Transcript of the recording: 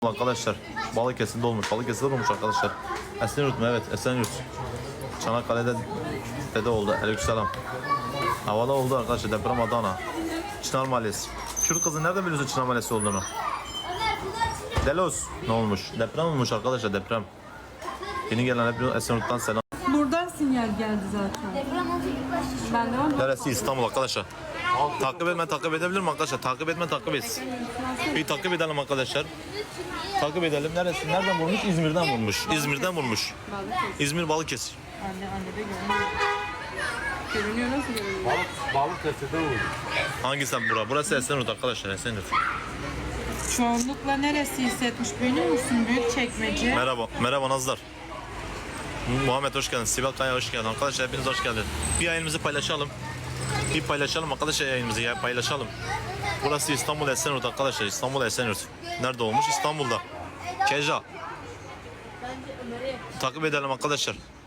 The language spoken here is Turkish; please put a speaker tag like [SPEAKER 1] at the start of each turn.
[SPEAKER 1] Arkadaşlar Balıkesir'de olmuş. Balıkesir'de olmuş arkadaşlar. Esenyurt mu? Evet, Esenyurt. Çanakkale'de de oldu. Aleykümselam. Havada oldu arkadaşlar. Deprem Adana. Çınar Mahallesi. Kürt kızı nereden biliyorsun Çınar Mahallesi olduğunu? Delos. Ne olmuş? Deprem olmuş arkadaşlar, deprem. Yeni gelen hep Esenyurt'tan selam.
[SPEAKER 2] Buradan sinyal geldi zaten. Ben de var.
[SPEAKER 1] Neresi? İstanbul arkadaşlar. Takip edebilirim arkadaşlar. Takip et. Bir takip edelim arkadaşlar. Takip edelim. Neresi? Nereden vurmuş? İzmir'den vurmuş. İzmir Balıkesir.
[SPEAKER 2] Anne de görünüyor. Görünüyor, nasıl görünüyor?
[SPEAKER 3] Balıkesir'de oldu.
[SPEAKER 1] Hangisi bura? Burası Esenyurt arkadaşlar, Esenyurt.
[SPEAKER 2] Çoğunlukla neresi hissetmiş biliyor musun? Büyükçekmece.
[SPEAKER 1] Merhaba Nazlar. Muhammed hoş geldin. Sibel Kaya hoş geldin. Arkadaşlar hepiniz hoş geldiniz. Bir yayınımızı paylaşalım. Arkadaşlar, yayınımızı paylaşalım. Burası İstanbul Esenyurt arkadaşlar. İstanbul Esenyurt. Nerede olmuş? İstanbul'da. Keja. Takip edelim arkadaşlar.